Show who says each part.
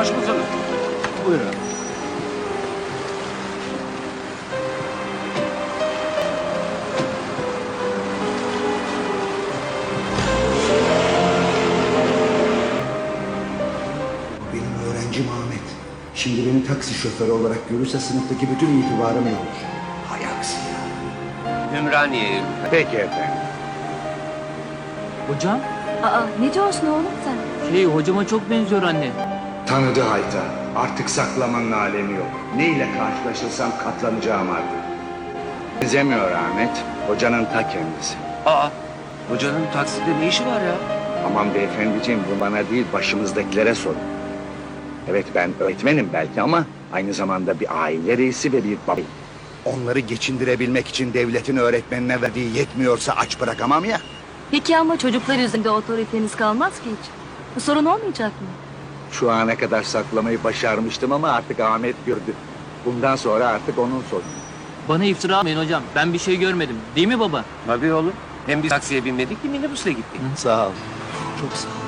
Speaker 1: Sarhoş musunuz?
Speaker 2: Buyurun.
Speaker 3: Benim öğrencim Ahmet. Şimdi beni taksi şoförü olarak görürse sınıftaki bütün itibarım yok olur. Hay aksi ya.
Speaker 1: Ümraniye'ye.
Speaker 2: Peki efendim.
Speaker 4: Hocam,
Speaker 5: Aa, ne diyorsun oğlum sen?
Speaker 4: hocama çok benziyor anne.
Speaker 2: Tanıdı Hayta. Artık saklamanın alemi yok. Ne ile karşılaşırsam katlanacağım artık. Benzemiyor Ahmet. Hocanın ta kendisi.
Speaker 1: Aa, hocanın takside ne işi var ya?
Speaker 2: Aman beyefendiciğim, bu bana değil başımızdakilere sorun. Evet, ben öğretmenim belki ama aynı zamanda bir aile reisi ve bir babayım. Onları geçindirebilmek için devletin öğretmenine verdiği yetmiyorsa aç bırakamam ya.
Speaker 5: Peki ama çocuklar üzerinde otoriteniz kalmaz ki hiç. Bu sorun olmayacak mı?
Speaker 2: Şu ana kadar saklamayı başarmıştım ama artık Ahmet gördü. Bundan sonra artık onun sorunu.
Speaker 4: Bana iftira atmayın hocam. Ben bir şey görmedim. Değil mi baba?
Speaker 1: Tabii oğlum. Hem biz taksiye binmedik ki minibüsle gittik.
Speaker 2: Sağ ol. Çok sağ ol.